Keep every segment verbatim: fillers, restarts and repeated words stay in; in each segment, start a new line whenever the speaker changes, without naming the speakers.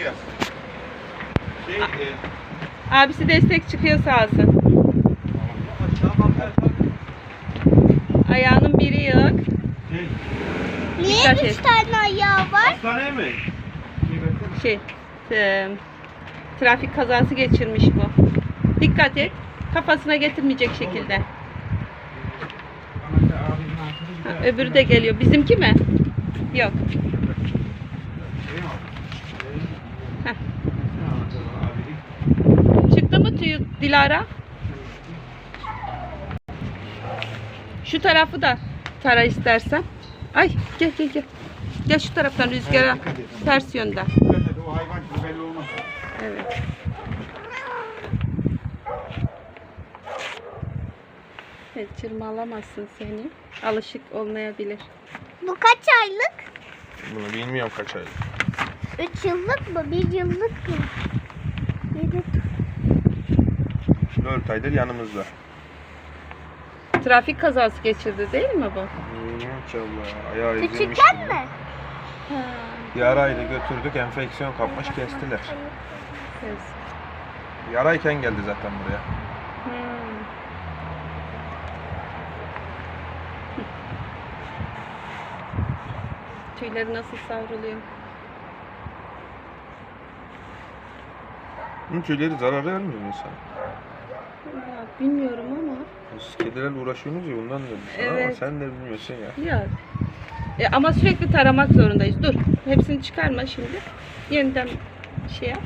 çıkıyor. Şey, e,
Abisi destek çıkıyor sağ olsun. Ayağının biri yok.
Şey,
Niye
Dikkat
üç
et.
tane ayağı var?
hastaneye mi?
Şey, e, trafik kazası geçirmiş bu. Dikkat et. Kafasına getirmeyecek şekilde. Ha, öbürü de geliyor. Bizimki mi? Yok. Heh. Çıktı mı tüyü Dilara? Şu tarafı da tara istersen. Ay gel gel gel. Gel şu taraftan rüzgara ters yönden.
O hayvan gibi belli olmaz.
Evet. Evet, çırmalamazsın seni. Alışık olmayabilir.
Bu kaç aylık?
Bunu bilmiyorum kaç aylık.
Üç yıllık mı? Bir yıllık mı? Yedi.
dört aydır yanımızda.
Trafik kazası geçirdi değil mi bu?
Maşallah. Ayağı ezilmiş.
Küçükken mi?
Ha,
Yaraydı götürdük, enfeksiyon kapmış, kestiler.
kız.
Yarayken geldi zaten buraya.
Hmm. Tüyleri nasıl savruluyor?
Bunun tüyleri zarar vermiyor mu insana?
Ya, bilmiyorum ama.
Siz kedilerle uğraşıyorsunuz ya bundan dedim sana ama
Evet.
sen de bilmiyorsun ya.
Ya. E, ama sürekli taramak zorundayız. Dur. Hepsini çıkarma şimdi. Yeniden şey yap.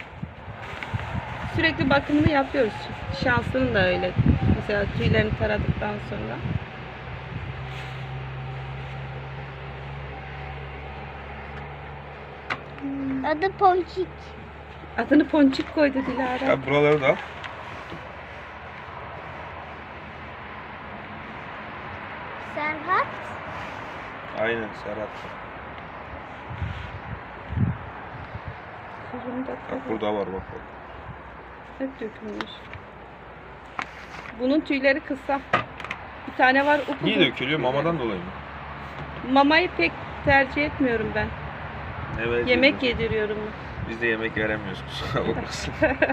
Sürekli bakımını yapıyoruz. Şansının da öyle. Mesela tüylerini taradıktan sonra.
Adı Ponçik.
Adını Ponçik koydu Dilara.
Ya buraları da al.
Serhat.
Aynen Serhat.
Kızım da
Bak burada var bak bak.
hep dökülmüş. Bunun tüyleri kısa. Bir tane var upuzun.
Niye dökülüyor? Mamadan dolayı mı?
Mamayı pek tercih etmiyorum ben.
Evet.
Yemek yediriyorum.
Biz de yemek veremiyoruz kusura bakmasın.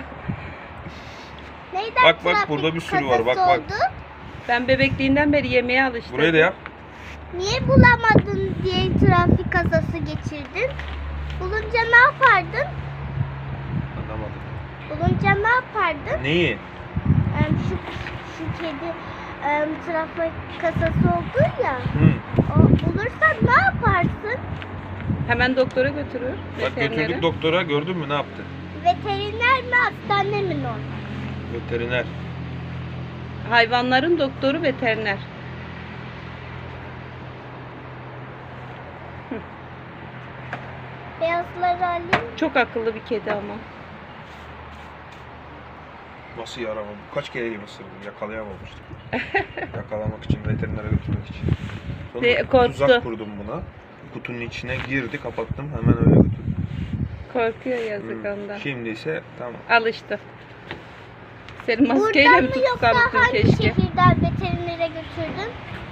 Neyden
Bak, bak,
trafik
burada bir sürü var, bak,
kazası
bak.
oldu?
Ben bebekliğinden beri yemeğe alıştım.
Burayı da yap.
Niye bulamadın diye trafik kazası geçirdin? Bulunca ne yapardın?
Anlamadım.
Bulunca ne yapardın?
Neyi?
Em, şu, şu kedi em, trafik kazası oldu ya.
Hı.
O bulursan ne yaparsın?
Hemen doktora götürür.
Bak
veterinere.
götürdük doktora, gördün mü ne yaptı?
Veteriner mi hastane mi normal?
Veteriner.
Hayvanların doktoru veteriner.
Beyazları alayım.
Çok akıllı bir kedi ama.
Nasıl yaramadı? Kaç kere gibi ısırdım, yakalayamamıştık. Yakalamak için, veterinere götürmek için.
De-
Sonra
korktu.
tuzak kurdum buna. Kutunun içine girdi, kapattım, hemen öyle götürdüm.
Korkuyor yazık
Hı.
ondan.
Şimdi ise tamam.
Alıştı. Seni maskeyle
Buradan
mi
mı yoksa
tutsam
hangi
keşke?
şehirden veterinere götürdün?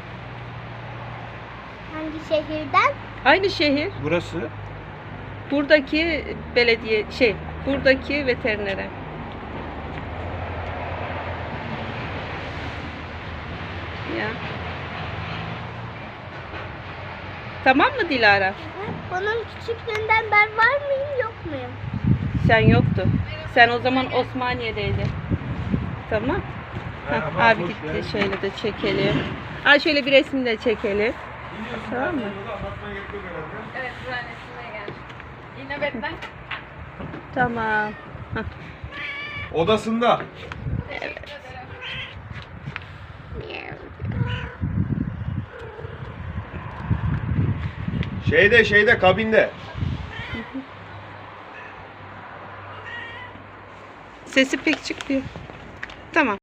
Hangi şehirden?
Aynı şehir.
Burası
Buradaki belediye şey, buradaki veterinere. Ya. Tamam mı Dilara?
Bunun küçüklüğünden ben var mıyım yok muyum?
Sen yoktu. Sen o zaman Osmaniye'deydin. Tamam.
Merhaba,
Hah, abi
hoş
gitti.
geldin.
Şöyle de çekelim. Aa, şöyle bir resim de çekelim. Tamam mı?
Evet, mühendisliğe geldim. İnobetten.
Tamam. Hah.
odasında.
Teşekkür ederim.
Şeyde şeyde kabinde.
Sesi pek çıkmıyor. Tamam.